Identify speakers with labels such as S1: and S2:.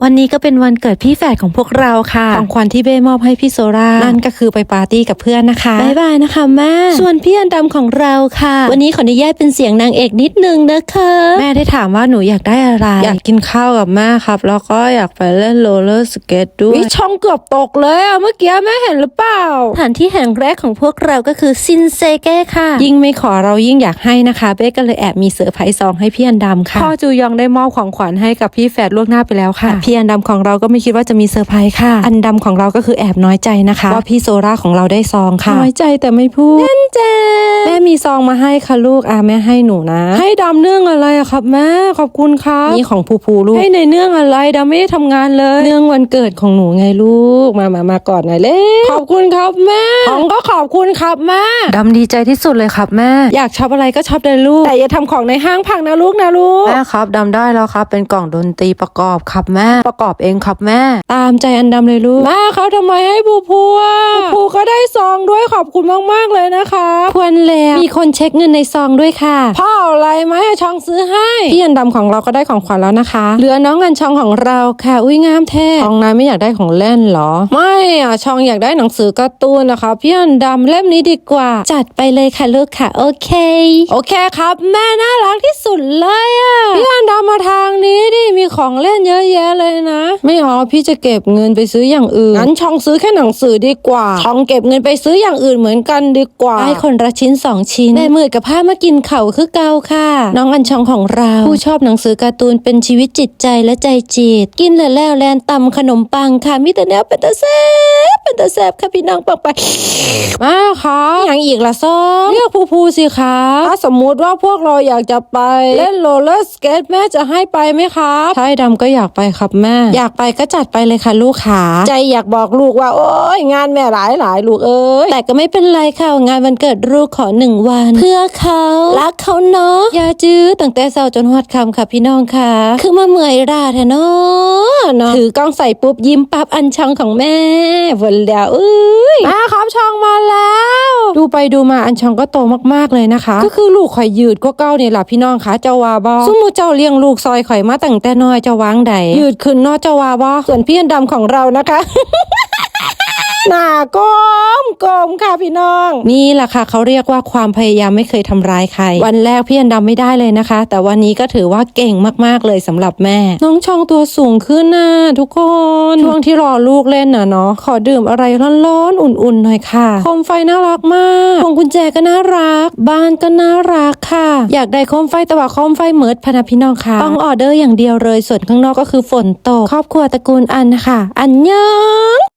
S1: วันนี้ก็เป็นวันเกิดพี่แฝดของพวกเราค่ะของขวัญที่เบ้มอบให้พี่โซรานั่นก็คือไปปาร์ตี้กับเพื่อนนะคะบ๊ายบายนะคะแม่ส่วนพี่อันดำของเราค่ะวันนี้ขออนุญาตเป็นเสียงนางเอกนิดนึงนะคะแม่ได้ถามว่าหนูอยากได้อะไรอยากกินข้าวกับแม่ครับแล้วก็อยากไปเล่นโรลเลอร์สเกตด้วยช่องเกือบตกเลยอะเมื่อกี้แม่เห็นหรือเปล่าสถานที่แห่งแรกของพวกเราก็คือซินเซเก้ค่ะยิ่งไม่ขอเรายิ่งอยากให้นะคะเบ้ก็เลยแอบมีเซอร์ไพรส์ซองให้พี่อันดำค่ะพ่อจูยองได้มอบของขวัญให้กับพี่แฝดล่วงหน้าไปแล้วค่ะพี่อันดำของเราก็ไม่คิดว่าจะมีเซอร์ไพรส์ค่ะอันดำของเราก็คือแอบน้อยใจนะคะว่าพี่โซราของเราได้ซองค่ะน้อยใจแต่ไม่พูดเล่นเจแม่มีซองมาให้ค่ะลูกแม่ให้หนูนะให้ดำเนื่องอะไรอะครับแม่ขอบคุณครับนี่ของภูลูกให้ในเนื่องอะไรดำไม่ได้ทำงานเลยเนื่องวันเกิดของหนูไงลูกมากอดหน่อยเล่ขอบคุณครับแม่ของก็ขอบคุณครับแม่ดำดีใจที่สุดเลยครับแม่อยากช็อปอะไรก็ช็อปเลยลูกแต่อย่าทำของในห้างพังนะลูกแม่ครับดำได้แล้วครับเป็นกล่องดนตรีประกอบครับแม่ประกอบเองครับแม่ตามใจอันดำเลยลูกแม่เขาทำไมให้ภูก็ได้ซองด้วยขอบคุณมากๆเลยนะคะควรแล้วมีคนเช็คเงินในซองด้วยค่ะพ่ออะไรไหมให้ช่องซื้อให้พี่อันดำของเราก็ได้ของขวัญแล้วนะคะเหลือน้องอันช่องของเราค่ะอุ้ยงามแท้ช่องนายไม่อยากได้ของเล่นเหรอไม่ช่องอยากได้หนังสือการ์ตูนนะคะพี่อันดำเล่มนี้ดีกว่าจัดไปเลยค่ะลูกค่ะโอเคครับแม่น่ารักที่สุดเลยพี่อันดำมาทางนี้ดิมีของเล่นเยอะแยะเลยนะไม่เอาพี่จะเก็บเงินไปซื้ออย่างอื่นงั้นช่องซื้อแค่หนังสือดีกว่าช่องเก็บเงินไปซื้ออย่างอื่นเหมือนกันดีกว่าให้คนละชิ้น2ชิ้นได้มือกับผ้ามากินเข่าคือเกาค่ะน้องอันช่องของเราผู้ชอบหนังสือการ์ตูนเป็นชีวิตจิตใจและใจจีดกินแล้วแลนตำขนมปังค่ะมีแต่แนวเป็นตาแซ่บค่ะพี่น้องปังไปมาค่ะอย่างอีกละซ้อเรียกภูสิคะถ้าสมมุติว่าพวกเราอยากจะไปเล่นโรลเลอร์สเกตแม่จะให้ไปไหมครับใช่ดำก็อยากไปครับแม่อยากไปก็จัดไปเลยค่ะลูกขาใจอยากบอกลูกว่าโอ๊ยงานแม่หลายลูกเอ้ยแต่ก็ไม่เป็นไรค่ะงานวันเกิดลูกขอ1 วันเพื่อเขารักเขาเนาะอย่าจื้อตั้งแต่เช้าจนฮอดค่ำค่ะพี่น้องค่ะคือมาเมื่อยราแท้เนาะถือกล้องใส่ปุ๊บยิ้มปั๊บอันช่องของแม่วนแล้วมาครับช่องมาแล้วดูไปดูมาอันช่องก็โตมากๆเลยนะคะก็คือลูกข่อยยืดก็เก้าเนี่ยแหละพี่น้องคะเจ้าว่าบ่สมมุติเจ้าเลี้ยงลูกซอยข่อยมาตั้งแต่น้อยเจ้าวางใดยืดขึ้นเนาะเจ้าว่าบ่ส่วนพี่อันดำของเรานะคะ หน้าก้มค่ะพี่น้องนี่แหละค่ะเขาเรียกว่าความพยายามไม่เคยทำร้ายใครวันแรกพี่อันดำไม่ได้เลยนะคะแต่วันนี้ก็ถือว่าเก่งมากๆเลยสำหรับแม่น้องช่องตัวสูงขึ้นนะทุกคนช่วงที่รอลูกเล่นน่ะเนาะขอดื่มอะไรร้อนๆอุ่นๆหน่อยค่ะโคมไฟน่ารักมากพวงกุญแจก็น่ารักบ้านก็น่ารักค่ะอยากได้โคมไฟแต่ว่าโคมไฟเมิดพนะพี่น้องค่ะต้องออเดอร์อย่างเดียวเลยส่วนข้างนอกก็คือฝนตกครอบครัวตระกูลอันค่ะอันยัง